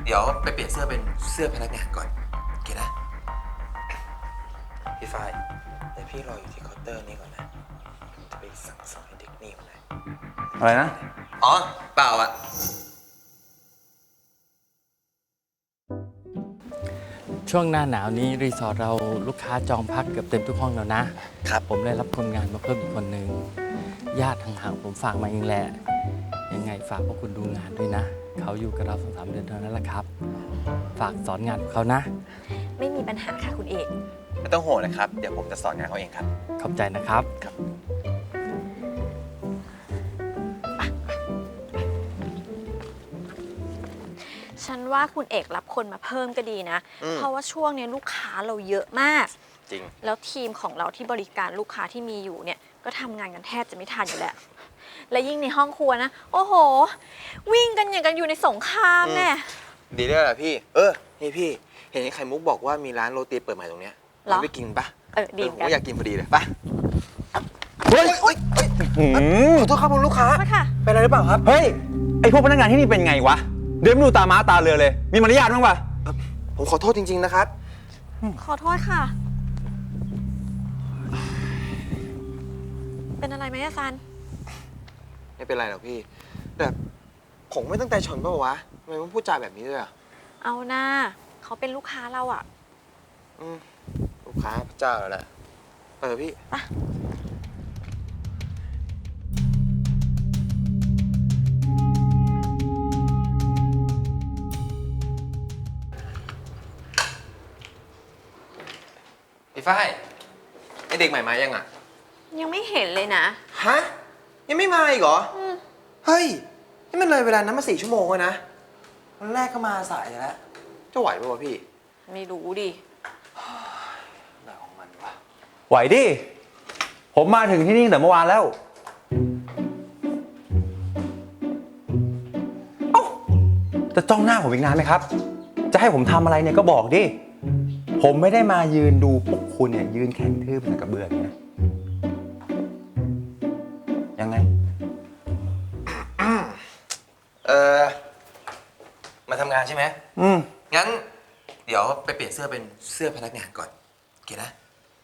เดี๋ยวไปเปลี่ยนเสื้อเป็นเสื้อพนักงานก่อนโอเคนะพี่ฝ้ายแต่พี่รออยู่ที่เคาน์เตอร์นี่ก่อนนะจะไปสั่งสอนให้เด็กนี่มันเลยอะไรนะอ๋อเปล่าอะช่วงหน้าหนาวนี้รีสอร์ทเราลูกค้าจองพักเกือบเต็มทุกห้องแล้วนะครับผมได้รับคนงานมาเพิ่มอีกคนนึงญาติห่างๆผมฝากมาเองแหละยังไงฝากพวกคุณดูงานด้วยนะเขาอยู่กับเรา2-3 เดือนเท่านั้นแหละครับฝากสอนงานเขานะไม่มีปัญหาค่ะคุณเอกไม่ต้องห่วงนะครับเดี๋ยวผมจะสอนงานเขาเองครับขอบใจนะครับฉันว่าคุณเอกรับคนมาเพิ่มก็ดีนะเพราะว่าช่วงนี้ลูกค้าเราเยอะมากจริงแล้วทีมของเราที่บริการลูกค้าที่มีอยู่เนี่ยก็ทำงานกันแทบจะไม่ทันอยู่แล้วและยิ่งในห้องครัวนะโอ้โหวิ่งกันอย่างกันอยู่ในสงครามแน่ดีด้วยแหละพี่นี่พี่เห็นไข่มุกบอกว่ามีร้านโรตีเปิดใหม่ตรงเนี้ยเราไปกินปะดีผมก็อยากกินพอดีเลยปะเฮ้ยขอโทษครับคุณลูกค้าเป็นอะไรหรือเปล่าครับเฮ้ยไอพวกพนักงานที่นี่เป็นไงวะเดินไม่ดูตาม้าตาเรือเลยมีมารยาทบ้างปะผมขอโทษจริงๆนะครับขอโทษค่ะเป็นอะไรไหมอาจารย์ไม่เป็นไรหรอกพี่แต่ผมไม่ตั้งใจชนป่ะวะทำไมต้องพูดจาแบบนี้ด้วยอ่ะเอาหน้าเขาเป็นลูกค้าเราอ่ะลูกค้าพระเจ้าแล้วแหละพี่พี่ฝ้ายไอเด็กใหม่มายังอ่ะยังไม่เห็นเลยนะฮะยังไม่มาอีกเหรอเฮ้ยนี่มันเลยเวลานั้นมา4 ชั่วโมงแล้วนะวันแรกก็มาสายแล้วจะไหวป่ะวะพี่ไม่รู้ดิอะไรของมันวะไหวดิผมมาถึงที่นี่ตั้งแต่เมื่อวานแล้วเอ้าจะจ้องหน้าผมอีกนานไหมครับจะให้ผมทำอะไรเนี่ยก็บอกดิผมไม่ได้มายืนดูพวกคุณเนี่ยยืนแข็งทื่อเป็นกระเบื้องนะยังไงมาทำงานใช่ไหมงั้นเดี๋ยวไปเปลี่ยนเสื้อเป็นเสื้อพนักงานก่อนโอเคนะ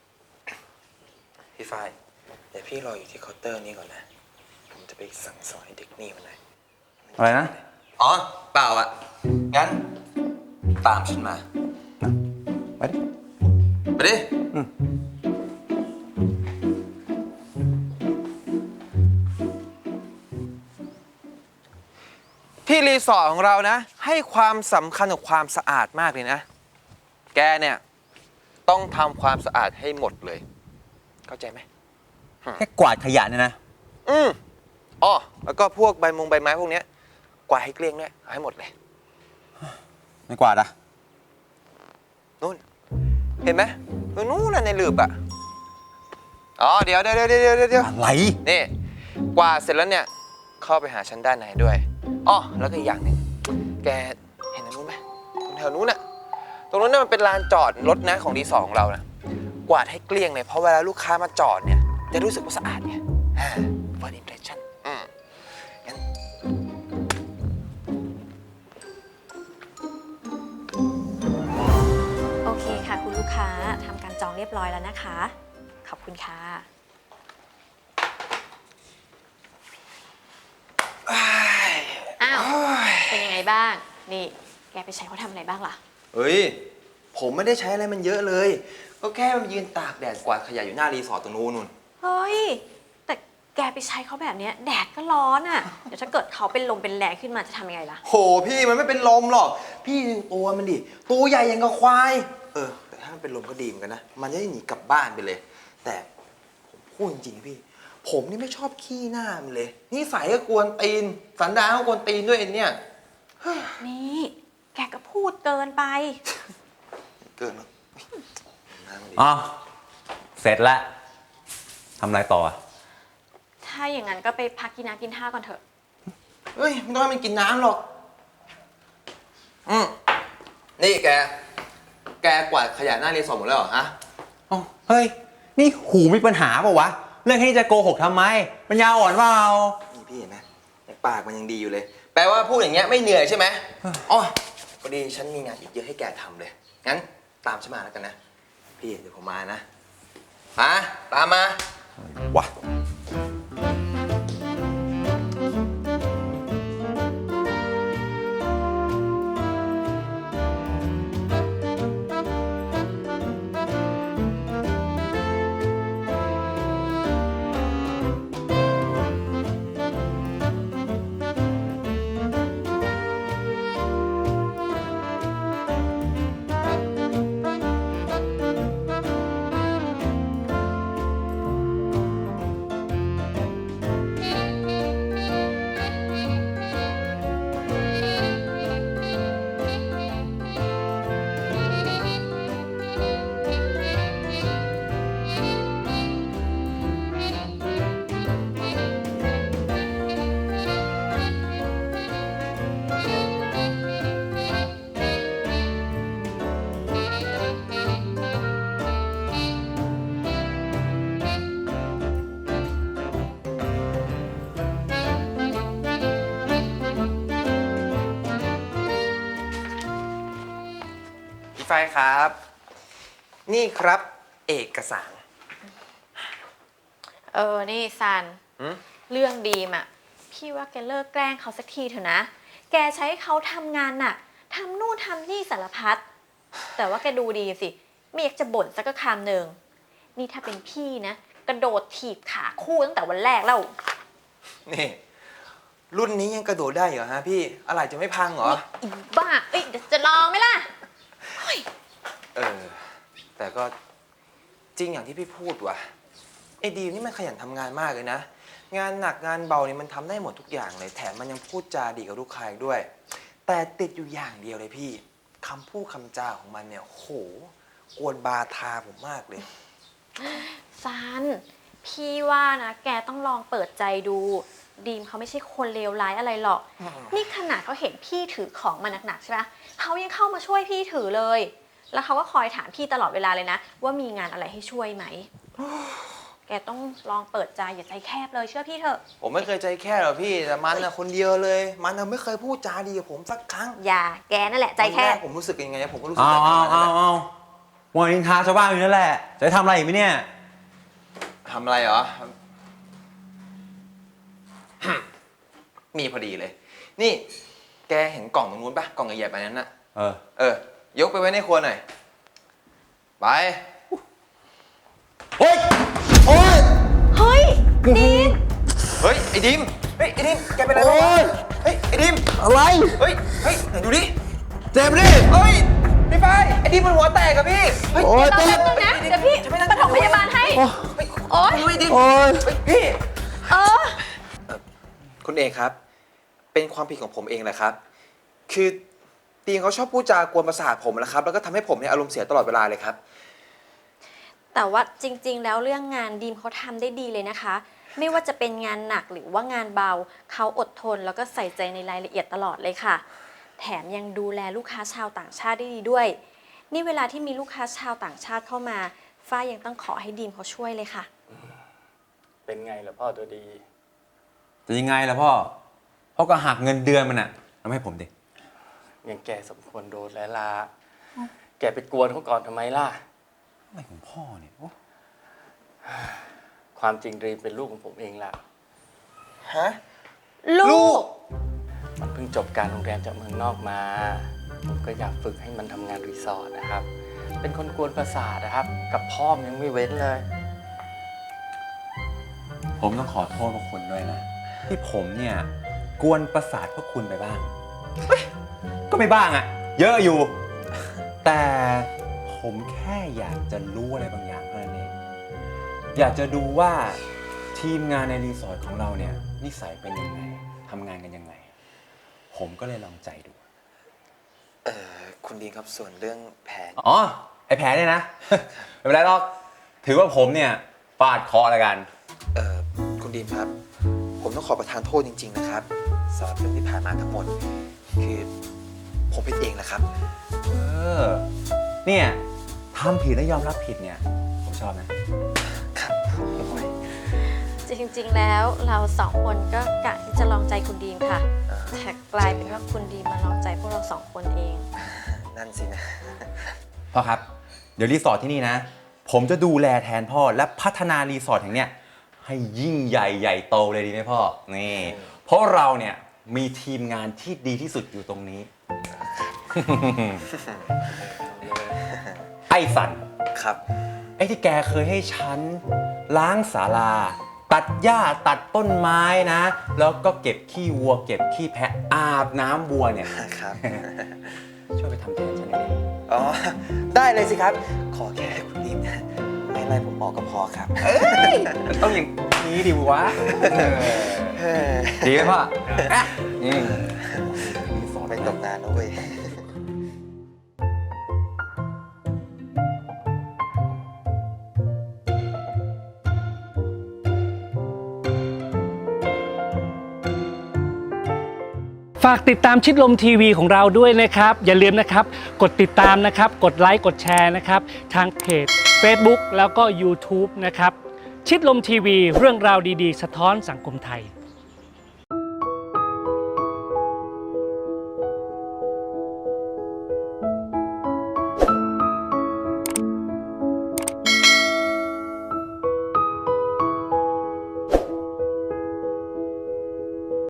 พี่ฝ้ายเดี๋ยวพี่รออยู่ที่เคาน์เตอร์นี้ก่อนนะผมจะไปสั่งสอนให้เด็กนี่มันเลยอะไรนะอ๋อเปล่าอะงั้นตามฉันมาไปดิไปดิที่รีสอร์ทของเรานะให้ความสำคัญกับความสะอาดมากเลยนะแกเนี่ยต้องทำความสะอาดให้หมดเลยเข้าใจไหมแค่กวาดขยะเนี่ยนะอ๋อแล้วก็พวกใบไม้พวกเนี้ยกวาดให้เกลี้ยงด้วยเอาให้หมดเลยไม่กวาดอะนู่นเห็นไหมนู่นในหลืบอะอ๋อเดี๋ยวอะไรนี่กวาดเสร็จแล้วเนี่ยเข้าไปหาฉันด้านในด้วยอ๋อแล้วก็อีกอย่างหนึ่งแกเห็นตรงนู้นไหมตรงแถวนู้นน่ะตรงนู้นน่ะมันเป็นลานจอดรถนะของรีสอร์ทของเรานะกวาดให้เกลี้ยงเลยเพราะเวลาลูกค้ามาจอดเนี่ยจะรู้สึกว่าสะอาดไงfirst impression งั้นโอเคค่ะคุณลูกค้าทำการจองเรียบร้อยแล้วนะคะขอบคุณค่ะอ้าวเป็นยังไงบ้างนี่แกไปใช้เขาทำอะไรบ้างล่ะเฮ้ยผมไม่ได้ใช้อะไรมันเยอะเลยก็แค่มันยืนตากแดดกวาดขยะอยู่หน้ารีสอร์ทตรงนู้นเฮ้ยแต่แกไปใช้เขาแบบนี้แดดก็ร้อนอ่ะเดี๋ยวถ้าเกิดเขาเป็นลมเป็นแรงขึ้นมาจะทำยังไงล่ะโหพี่มันไม่เป็นลมหรอกพี่ดูตัวมันดิตัวใหญ่ยังกับควายแต่ถ้ามันเป็นลมก็ดีเหมือนกันนะมันจะได้หนีกลับบ้านไปเลยแต่ผมพูดจริงๆพี่ผมนี่ไม่ชอบขี้หน้ามันเลยนิสัยก็กวนตีนสันดานก็กวนตีนด้วยเนี่ยนี่แกก็พูดเกินไปเกินมั้งอ๋อเสร็จแล้วทำอะไรต่อถ้าอย่างนั้นก็ไปพักกินน้ำกินท่าก่อนเถอะเฮ้ยไม่ต้องให้มันกินน้ำหรอกนี่แกกวาดขยะหน้ารีสอร์ทหมดแล้วเหรอฮะเฮ้ยนี่หูมีปัญหาเปล่าวะเรื่องแค่นี้จะโกหกทำไมปัญญาอ่อนเปล่านี่พี่เห็นไหมปากมันยังดีอยู่เลยแปลว่าพูดอย่างเงี้ยไม่เหนื่อยใช่ไหมอ๋อพออดีฉันมีงานอีกเยอะให้แกทำเลย งั้นตามฉันมาแล้วกันนะ พี่เดี๋ยวผมมานะตามมาวะพี่ไฟครับ นี่ครับเอกสารนี่ซันหืมเรื่องดีมอ่ะ พี่ว่าแกเลิกแกล้งเขาสักทีเถอะนะ แกใช้เขาทำงานน่ะทำนู่นทำนี่สารพัด แต่ว่าแกดูดีสิ ไม่อยากจะบ่นสักคำหนึ่ง นี่ถ้าเป็นพี่นะ กระโดดถีบขาคู่ตั้งแต่วันแรกแล้วนี่ รุ่นนี้ยังกระโดดได้เหรอฮะพี่ อะไรจะไม่พังเหรออีบ้า เอ้ยเดี๋ยวจะลองไหมล่ะแต่ก็จริงอย่างที่พี่พูดว่ะไอ้ดีมนี่มันขยันทำงานมากเลยนะ งานหนักงานเบานี่มันทำได้หมดทุกอย่างเลย แถมมันยังพูดจาดีกับลูกค้าอีกด้วย แต่ติดอยู่อย่างเดียวเลยพี่คำพูดคำจาของมันเนี่ยโหกวนบาทาผมมากเลยซัน พี่ว่านะแกต้องลองเปิดใจดู ดีมเขาไม่ใช่คนเลวร้ายอะไรหรอก นี่ขนาดเขาเห็นพี่ถือของมาหนักๆใช่ไหมเขายังเข้ามาช่วยพี่ถือเลย แล้วเขาก็คอยถามพี่ตลอดเวลาเลยนะ ว่ามีงานอะไรให้ช่วยไหม แกต้องลองเปิดใจอย่าใจแคบเลยเชื่อพี่เถอะผมไม่เคยใจแค่หรอกพี่ แต่มันนะคนเดียวเลย มันนะไม่เคยพูดจาดีกับผมสักครั้งอย่าแกนั่นแหละใจแควันบรกผมรู้สึกยังไงผมก็รู้สึกเอาแบบนั้นนั่นแหละมัวนินทาชาวบ้านอยู่นั่นแหละ จะให้ทำอะไรอีกไหมเนี่ยทำอะไรเหรอ มีพอดีเลย นี่แกเห็นกล่องตรงนู้นปะกล่องใหญ่ๆไปนั้นน่ะ ยกไปไว้ในครัวหน่อย ไปโอ๊ย โอ๊ยเฮ้ยดีมเฮ้ย ไอ้ดิม เฮ้ย ไอ้ดิม แกเป็นอะไรบ้างวะเฮ้ย ไอ้ดิมอะไรเฮ้ย ไหนดูดิเจ็บดิเฮ้ย พี่ไฟไอ้ดิมมันหัวแตกอะพี่ เฮ้ยโอ๊ยรอเจ็แป๊บบนึงนะเดี๋ยวพี่ปฐมพยาบาลให้ โอ๊ยไอ้ดิมโอ๊ยเฮ้ยพี่เออคุณเอกครับ เป็นความผิดของผมเองแหละครับ คือตีนเขาชอบพูดจากวนประสาทผมนะครับ แล้วก็ทำให้ผมเนี่ยอารมณ์เสียตลอดเวลาเลยครับแต่ว่าจริงๆ แล้วเรื่องงานดีมเขาทำได้ดีเลยนะคะ ไม่ว่าจะเป็นงานหนักหรือว่างานเบาเขาอดทนแล้วก็ใส่ใจในรายละเอียดตลอดเลยค่ะ แถมยังดูแลลูกค้าชาวต่างชาติได้ดีด้วย นี่เวลาที่มีลูกค้าชาวต่างชาติเข้ามาฝ้ายยังต้องขอให้ดีมเขาช่วยเลยค่ะเป็นไงล่ะพ่อตัวดีจะยังไงล่ะพ่อ พ่อก็หักเงินเดือนมันอะทำให้ผมดิยังแกสมควรโดนแล้วล่ะแกไปกวนเขาก่อนทำไมล่ะอะไรของพ่อเนี่ยโอ๊ะความจริงดรีมเป็นลูกของผมเองล่ะฮะลูกมันเพิ่งจบการโรงแรมจากเมืองนอกมา ผมก็อยากฝึกให้มันทำงานรีสอร์ทนะครับ เป็นคนกวนประสาทนะครับ กับพ่อมนยังไม่เว้นเลยผมต้องขอโทษพวกคุณด้วยนะ ที่ผมเนี่ย กวนประสาทพวกคุณไปบ้างเฮ้ยก็ไม่บ้างอะเยอะอยู่ แต่ผมแค่อยากจะรู้อะไรบางอย่างเท่านั้นเอง อยากจะดูว่าทีมงานในรีสอร์ทของเราเนี่ยนิสัยเป็นยังไงทำงานกันยังไง ผมก็เลยลองใจดูคุณดีนครับส่วนเรื่องแผนอ๋อ ไอแผลเนี่ยนะ ไม่เป็นไรหรอก ถือว่าผมเนี่ยฟาดเคราะห์แล้วกันคุณดีนครับ ผมต้องขอประทานโทษจริง ๆ นะครับสำหรับเรื่องที่ผ่านมาทั้งหมด คือผมผิดเองแหละครับเนี่ยทำผิดแล้วยอมรับผิดเนี่ย ผมชอบนะครับโอ้ยจริงๆ แล้วเราสองคนก็กะที่จะลองใจคุณดีมค่ะ แต่กลายเป็นว่าคุณดีมมาลองใจพวกเราสองคนเองอ่านั่นสินะพ่อครับ เดี๋ยวรีสอร์ทที่นี่นะ ผมจะดูแลแทนพ่อและพัฒนารีสอร์ทแห่งเนี้ยให้ยิ่งใหญ่ใหญ่โตเลยดีไหมพ่อ นี่ เพราะเราเนี่ยมีทีมงานที่ดีที่สุดอยู่ตรงนี้ ไอ้สันครับไอ้ที่แกเคยให้ฉันล้างศาลา ตัดหญ้าตัดต้นไม้นะ แล้วก็เก็บขี้วัว เก็บขี้แพะอาบน้ำวัวเนี่ยครับช่วยไปทำแทนฉันหน่อยดิอ๋อ ได้เลยสิครับ ขอแค่คุณดิมไม่ไล่ผมออกก็พอครับมันต้องอย่างนี้ดิวะดีไหมพ่ออ่ะสอนไม่ตกนานนะเว้ยฝากติดตามชิดลมทีวีของเราด้วยนะครับอย่าลืมนะครับกดติดตามนะครับกดไลค์กดแชร์นะครับทางเพจ Facebook แล้วก็ YouTube นะครับชิดลมทีวีเรื่องราวดีๆ สะท้อนสังคมไทย